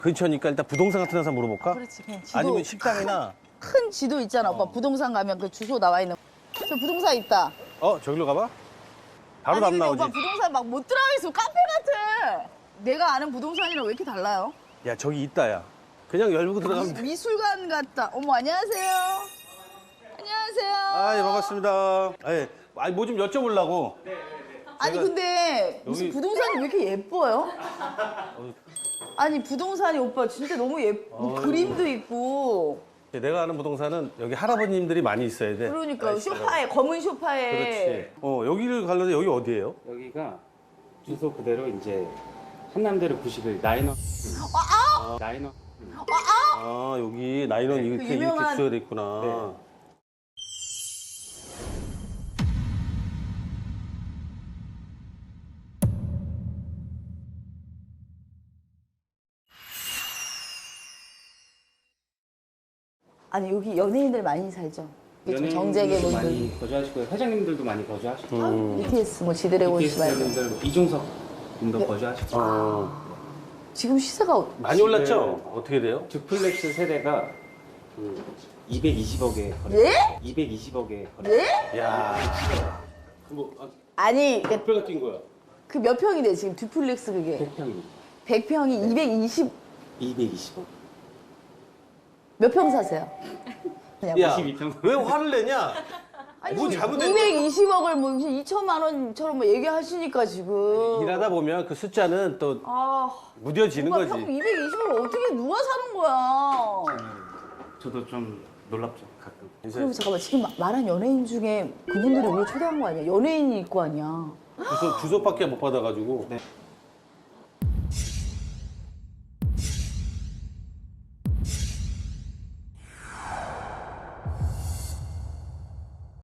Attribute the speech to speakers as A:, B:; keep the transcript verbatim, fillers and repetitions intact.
A: 근처니까 일단 부동산 같은 데서 물어볼까?
B: 그렇지, 그냥 지도.
A: 아니면 식당이나.
B: 큰 지도 있잖아, 오빠. 부동산 가면 그 주소 나와 있는. 저 부동산 있다.
A: 어, 저기로 가봐. 바로
B: 아니,
A: 답
B: 근데
A: 나오지.
B: 오빠 부동산 막 못 들어가 있어. 카페 같아. 내가 아는 부동산이랑 왜 이렇게 달라요?
A: 야, 저기 있다, 야. 그냥 열고 들어가면 돼.
B: 미술관 같다. 어머, 안녕하세요. 안녕하세요.
A: 아, 예, 반갑습니다. 아, 예. 아니, 뭐 좀 여쭤보려고.
B: 아니,
A: 제가
B: 근데 무슨
A: 여기-
B: 부동산이 왜 이렇게 예뻐요? 아니, 부동산이 오빠 진짜 너무 예뻐. 뭐
A: 어.
B: 그림도 있고.
A: 내가 아는 부동산은 여기 할아버님들이 많이 있어야 돼.
B: 그러니까
A: 나이스가.
B: 소파에, 검은 소파에.
A: 그렇지. 어, 여기를 가려면 여기 어디예요?
C: 여기가 주소 그대로 이제 한남대로 구십일 나인원
B: 아,
C: 나인원
A: 아, 여기 나인원 이렇게,
B: 그 유명한-
A: 이렇게 쓰여야 돼 있구나.
C: 네.
B: 아니, 여기 연예인들 많이 살죠.
C: 연예인들도
B: 정재계 분들.
C: 많이 거주하시고요. 회장님들도 많이 거주하시고
A: 음.
B: 비티에스 뭐 지드래곤 씨 말고.
C: 비티에스분들 이종석 분도 거주하시고
A: 어.
B: 지금 시세가 어-
A: 많이 올랐죠? 어떻게 돼요?
C: 듀플렉스 세대가 그 이백이십억에 거래.
B: 예?
C: 이백이십억에 거래.
B: 예?
A: 야. 뭐, 아,
B: 아니,
A: 뼈가 뛴 거야.
B: 그 몇 평인데 지금 듀플렉스 그게?
C: 백 평이
B: 백 평이 이백이십,
C: 이백이십억.
B: 몇 평 사세요?
A: 야,
C: 오십이 평.
A: 왜 화를 내냐?
B: 아니,
A: 뭐 잘못된
B: 이백이십억을 뭐 무슨 이천만 원처럼 뭐 얘기하시니까 지금.
A: 일하다 보면 그 숫자는 또
B: 아,
A: 무뎌지는
B: 오빠
A: 거지.
B: 평 이백이십억을 어떻게 누가 사는 거야?
C: 저도 좀 놀랍죠 가끔.
B: 그럼 잠깐만, 지금 마- 말한 연예인 중에 그분들이 우리 초대한 거 아니야? 연예인이 있고 아니야?
A: 주소, 주소밖에 못 받아가지고.
C: 네.